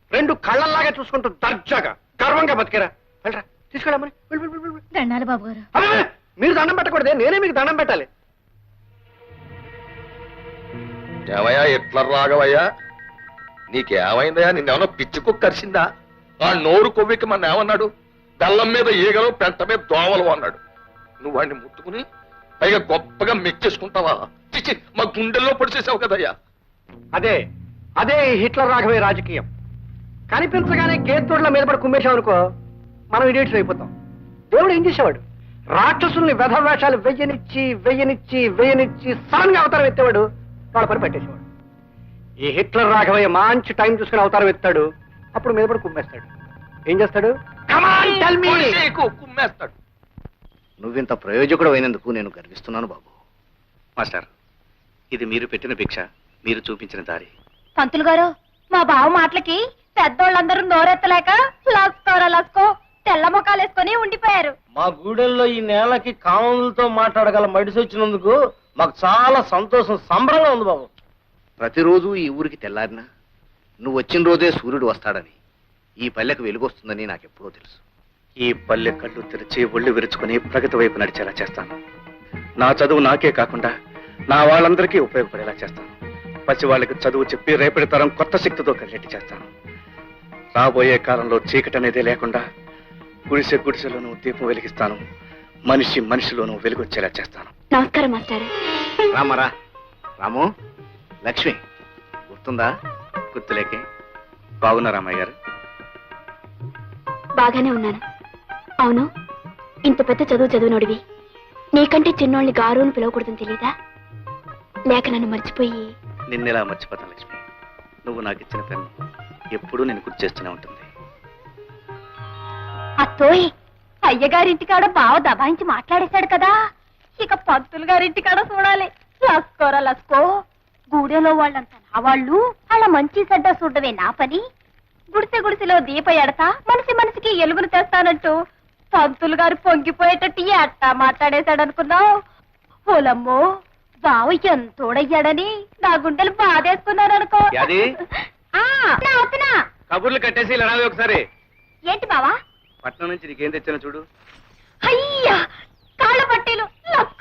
రెండు కళ్ళల్లాగా చూసుకుంటూ దర్జాగా గర్వంగా బతికేరా. వెళ్ళరా, తీసుకెళ్ళమని. దండాలి బాబు గారు. మీరు దండం పెట్టకూడదే, నేనే మీకు దండం పెట్టాలి. ఏమయ్యా ఎట్లా రాగవయ్యా? నీకేమైందయ్యా? నిన్నేమన్నా పిచ్చి కుక్క కరిసిందా? ఆ నోరు కొవ్వికి మన ఏమన్నాడు? బెల్లం మీద ఈగలు, పెంట మీద దోమలు అన్నాడు. నువ్వు వాడిని ముట్టుకుని పైగా గొప్పగా మెచ్చేసుకుంటావా? చిచ్చి, మా గుండెల్లో పొడిచేసావు కదయ్యా. అదే అదే హిట్లర్ రాఘవయ్య రాజకీయం. కనిపించగానే గేత్తోడ్ల మీద పడి కుమ్మేశామనుకో, మనం ఇడియట్స్ అయిపోతాం. దేవుడు ఏం చేసేవాడు? రాక్షసుల్ని వెధవేషాలు వెయ్యనిచ్చి సడన్ గా అవతారం ఎత్తేవాడు, వాళ్ళ పని పెట్టేసేవాడు. ఈ హిట్లర్ రాఘవయ్య మంచి టైం చూసుకుని అవతారం ఎత్తాడు, అప్పుడు మీద పడి కుమ్మేస్తాడు. ఏం చేస్తాడు? కుమ్మేస్తాడు. నువ్వింత ప్రయోజకుడు అయినందుకు నేను గర్విస్తున్నాను బాబు. మాస్టర్, ఇది మీరు పెట్టిన భిక్ష, మీరు చూపించిన దారి. పంతులు గారు, మా బావ మాటలకి పెద్దోళ్ళందరూ నోరెత్తలేక లస్కో తెల్ల ముఖాలు వేసుకొని ఉండిపోయారు. మా గూడెల్లో ఈ నేలకి కామన్లతో మాట్లాడగల మడిసి వచ్చినందుకు మాకు చాలా సంతోషం, సంబరంగా ఉంది బాబు. ప్రతిరోజు ఈ ఊరికి తెల్లారినా నువ్వు వచ్చిన రోజే సూర్యుడు వస్తాడని, ఈ పల్లెకు వెలుగొస్తుందని నాకెప్పుడో తెలుసు. ఈ పల్లె కళ్ళు తెరిచి ఒళ్ళు విరుచుకుని ప్రగతి వైపు నడిచేలా చేస్తాను. నా చదువు నాకే కాకుండా నా వాళ్ళందరికీ ఉపయోగపడేలా చేస్తాను. పసి వాళ్ళకి చదువు చెప్పి రేపటి తరం కొత్త శక్తితో కలిగేట్టు చేస్తాను. రాబోయే కాలంలో చీకటి అనేదే లేకుండా గుడిసెలోనూ దీపం వెలిగిస్తాను. మనిషిలోనూ వెలుగొచ్చేలా చేస్తాను. నమస్కారం మాస్టర్. రామరా, రాము, లక్ష్మి గుర్తుందా? గుర్తులేకే. బాగున్నా రామయ్య గారు? బాగానే ఉన్నాను. అవును, ఇంత పెద్ద చదివినోడివి నీకంటే చిన్నోళ్ళని గారు అని పిలవకూడదని తెలీదా? లేక నన్ను మర్చిపోయి? నిన్నెలా మర్చిపోతాను లక్ష్మి? నువ్వు నాకు ఇచ్చిన పెన్ను ఎప్పుడూ నేను గుర్తు చేస్తూనే ఉంటుంది. అత్తోయ్, అయ్యగారింటికాడ బావ దబాయించి మాట్లాడేశాడు కదా, ఇక పంతులు గారింటికాడ చూడాలి. లస్కో గూడెలో వాళ్ళంతా నా వాళ్ళు, అలా మంచి చెడ్డ చూడవే నా పని. గుడిసెలో దీప ఎడతా మనిషికి ఎలుగులు తెస్తానంటూ పంతులు గారు పొంగిపోయేటట్టు అట్టా మాట్లాడేశాడనుకున్నావు. ఓలమ్మో, బావ ఎంతోడయ్యాడని నా గుండెలు బాధేసుకున్నారనుకో. కబుర్లు కట్టేసి ఇలా రావే ఒకసారి. ఏంటి బావా? పట్నం నుంచి నీకేం తెచ్చానో చూడు. అయ్యా, కాళ్ళ పట్టీలు.